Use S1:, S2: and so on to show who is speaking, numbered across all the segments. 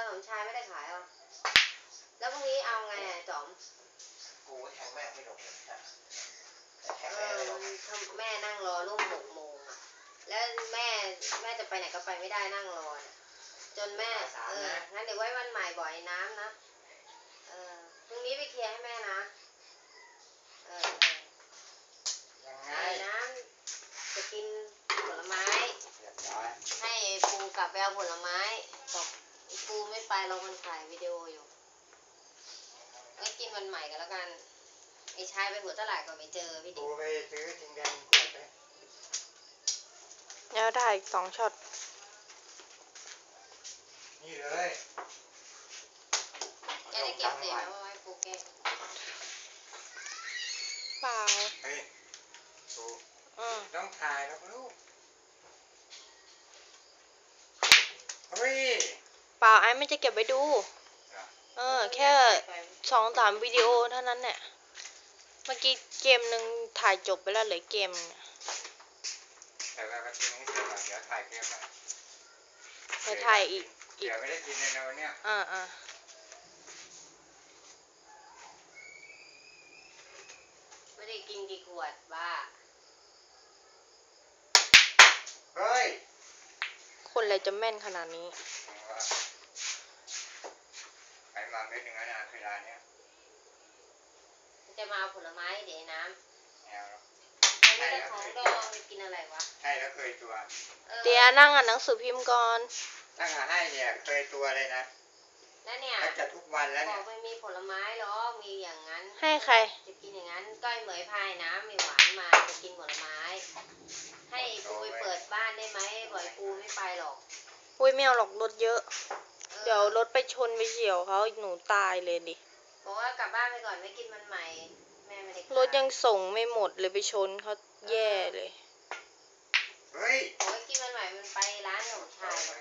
S1: สมชายไม่ได้ขายหรอแล้วพรุ่งนี้เอาไงจอม
S2: กูแทงแม่ไม่ลงเลย
S1: แม่นั่งรอร่วม6 โมงแล้วแม่จะไปไหนก็ไปไม่ได้นั่งรอจนแม่งั้นเดี๋ยวไว้วันใหม่บ่อยน้ำนะพรุ่งนี้ไปเคลียร์ให้แม่นะไอ้น้ำจะกินผลไม้ให้ปูกลับไปเอาผลไม้บอกปูไม่ไปเรามันถ่ายวิดีโออยู่ไว้กินวันใหม่กันแล้วกันไอ้ชายไปหัวตลาดก็ไม่เจอพี่ดิ
S2: ปูไปซื้อจิงแดงขวดไป
S3: แล้วถ่ายอีก2 ช็อต
S2: นี่เลย
S1: แกได้เก็บเสียงไว้ปูเก็บ
S3: เปล่า
S2: เฮ้ยปูต้องถ่ายแล้วลูกเฮ้ย
S3: เปล่าไอ้ไม่จะเก็บไว้ดูแค่2-3 วิดีโอเท่านั้นเนี่ยเมื่อกี้เกมหนึ่งถ่ายจบไปแล้วเหลือเกม
S2: แต่ว่าก็ทิ้งให้เสร็จก่อนเดี๋ยวถ่ายเกมมา
S3: ไปถ่ายอีก
S2: เดี๋ยวไม่ได้กินในวันเนี้ย
S1: ไม่ได้กินกี่ขวดบ้า
S2: เฮ้ย
S3: คนอะไรจะแม่นขนาดนี้
S2: ไปมาเม็ดหนึ่งนะเวลาเนี้ย
S1: จะมาเอาผลไม้เดี๋ยวน้ำ
S2: แนว
S1: ไม่ได้ของดองจะกินอะไรวะ
S2: ใช่แล้วเคยตัว
S3: เดี๋ยวนั่งอ่านหนังสือพิมพ์ก่อน
S2: ตั้งให้เนี่ยเคยตัวเลยนะ
S1: แล้วเนี่ย
S2: จะทุกวันแล้ว
S1: บ
S2: เนี่
S1: อกไม่มีผลไม้หรอมีอย่างนั้น
S3: ให้ใคร
S1: จะกินอย่างนั้นก้อยเหมยพายน้ำมีหวานมาจะกินผลไม้ให้ปูไปเปิดบ้านได้ไหมบ่อยปูไม่ไปหรอก
S3: ปุ้ยไม่เอาหรอกรถเยอะเดี๋ยวรถไปชนไปเฉี่ยวเขาหนูตายเลยดิ
S1: บอกว่ากลับบ้านไปก่อนไม่กินมันใหม่แม่ไม่ได้
S3: รถยังส่งไม่หมดเลยไปชนเขาแย่เลย
S2: เฮ้ย
S1: บอกว่ากินมันใหม่มันไปร้านขนมชายเลย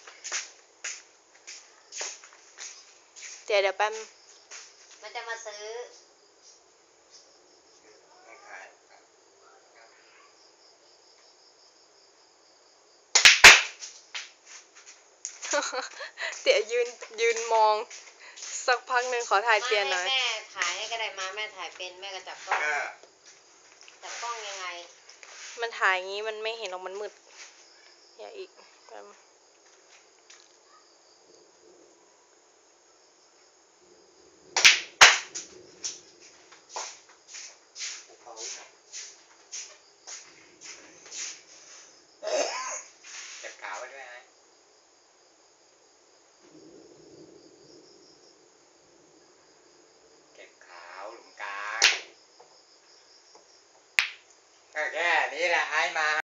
S3: เดี๋ยวแป๊บ
S1: มันจะมาซื้อ
S3: เตี๋ยยืนมองสักพักหนึ่งขอถ่ายเตี๋ยหน่อย
S1: แม่ถ่ายให้ก็ได้มาแม่ถ่ายเป็นแม่ก็จับกล้องยังไง
S3: มันถ่ายงี้มันไม่เห็นหรอกมันมืดอย่าอีก
S2: เก็บขาไว้ด้วยนะเก็บขาวหลุมกลางก็แค่นี้แหละไอ้มา